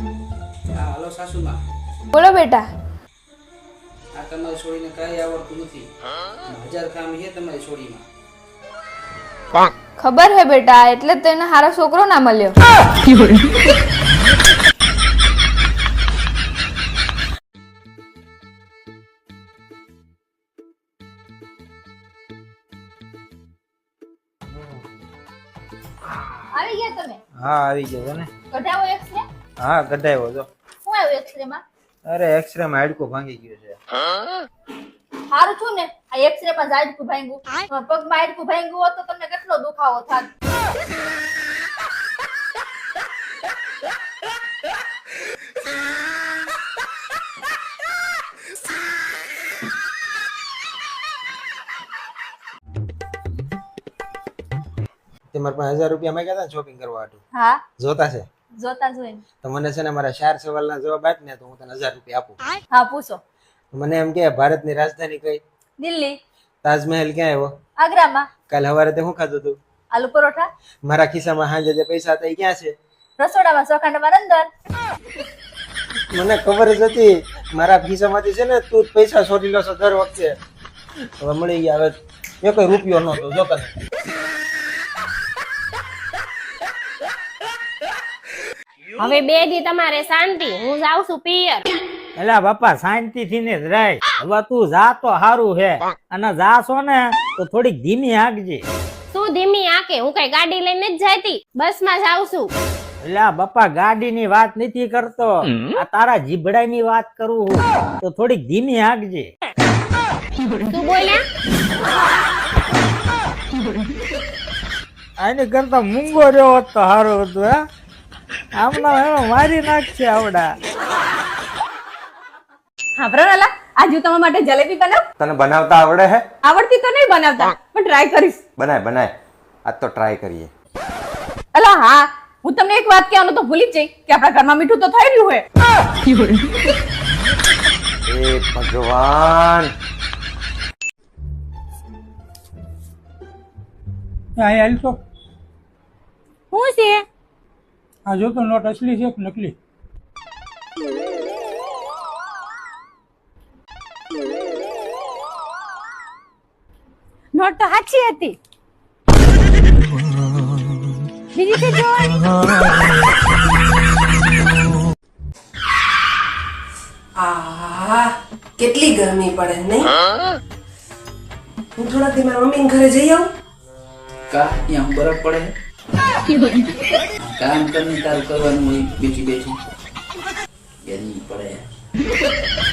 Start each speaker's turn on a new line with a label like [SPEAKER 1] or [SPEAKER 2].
[SPEAKER 1] હા હલો સાસુમાં.
[SPEAKER 2] બોલો બેટા.
[SPEAKER 1] આ તમારી છોડીને કાંઈ આવડતું નથી. 1000 કામ છે તમારી છોડીમાં.
[SPEAKER 2] ખબર હે બેટા, એટલે જ તેને હારો છોકરો ના મળ્યો. આવી ગયા તમે?
[SPEAKER 3] હા આવી ગયો ને.
[SPEAKER 2] કઢાવો એક્સરે?
[SPEAKER 3] હા કઢાવ્યો જો.
[SPEAKER 2] શું આવ્યું એક્સરે માં?
[SPEAKER 3] અરે એક્સરે માં હાડકું ભાંગી ગયું છે.
[SPEAKER 2] સારું છું ને? આ એક્સરે માં હાડકું ભાંગ્યું. પગમાં હાડકું ભાંગ્યું હોત તો તમને કેટલો દુખાવો થાત.
[SPEAKER 3] તે મારા પાસે 1000 રૂપિયા માંગ્યા હતા ને શોપિંગ કરવા માટે.
[SPEAKER 2] હા
[SPEAKER 3] જોતા છે
[SPEAKER 2] જોતા જોઈને.
[SPEAKER 3] તો મને છે ને મારા 4 સવાલના જવાબ આપ ને તો હું તને 1000 રૂપિયા આપું.
[SPEAKER 2] હા પૂછો.
[SPEAKER 3] મને એમ કે ભારતની રાજધાની કઈ?
[SPEAKER 2] દિલ્હી.
[SPEAKER 3] તાજમહેલ ક્યાં આવ્યો?
[SPEAKER 2] આગ્રામાં.
[SPEAKER 3] કાલ સવારે તે શું ખાધું તું?
[SPEAKER 2] આલુ પરોઠા.
[SPEAKER 3] મારા ખિસ્સામાં સાંજે જે પૈસા હતા એ ક્યાં છે?
[SPEAKER 2] રસોડામાં ચોખાંડમાં અંદર.
[SPEAKER 3] મને ખબર જ હતી મારા ખિસ્સામાંથી છે ને તું જ પૈસા ચોરી લો છો દર વખતે. હવે મળી ગયા. હવે એક રૂપિયો નહોતો જો તને.
[SPEAKER 4] હવે 2 દી તમારે શાંતિ, હું જાઉં છું પિયર.
[SPEAKER 5] એલા બાપા શાંતિ થી ને જ રહે. હવે તું જા તો સારું હે, અને જાશો ને તો થોડીક ધીમી હાંકજે.
[SPEAKER 4] શું ધીમી આકે? હું કઈ ગાડી લઈને જ જાતી, બસ માં જાઉં છું.
[SPEAKER 5] એલા બાપા ગાડી ની વાત નથી કરતો, આ તારા જીભડા ની વાત કરું હું. તો થોડીક ધીમી હાંકજે.
[SPEAKER 4] શું બોલ્યા?
[SPEAKER 5] આની કરતા મૂંગો રહ્યો હોત તો સારું હતું. હે આમના એનો મારી નાખશે આવડા.
[SPEAKER 6] હા પ્રણાલા, આજ હું તમારા માટે જલેબી બનાવ.
[SPEAKER 7] તને બનાવતા આવડે હે?
[SPEAKER 6] આવડતી તો નહીં બનાવતા, પણ ટ્રાય કરીશ.
[SPEAKER 7] બનાય બનાય, આજ તો ટ્રાય કરીએ.
[SPEAKER 6] અલા હા, હું તમને એક વાત કહેવાનું તો ભૂલી જ જઈ કે આપણા ઘરમાં મીઠું તો થઈ રહ્યું હોય.
[SPEAKER 7] એ ભગવાન,
[SPEAKER 8] અહીં હાલ તો
[SPEAKER 4] શું છે?
[SPEAKER 8] આ જો તો નોટ અસલી છે કે નકલી?
[SPEAKER 4] નોટ તો સાચી હતી. બીજી છે જોવાની.
[SPEAKER 9] આહ કેટલી ગરમી પડે નહીં. હું થોડા દી મારા મમ્મી ઘરે જઈ આવું.
[SPEAKER 1] કા ત્યાં બરફ પડે. કામ કરીને તારું કરવાનું હોય બેઠી બેઠી. ગરમી પડે.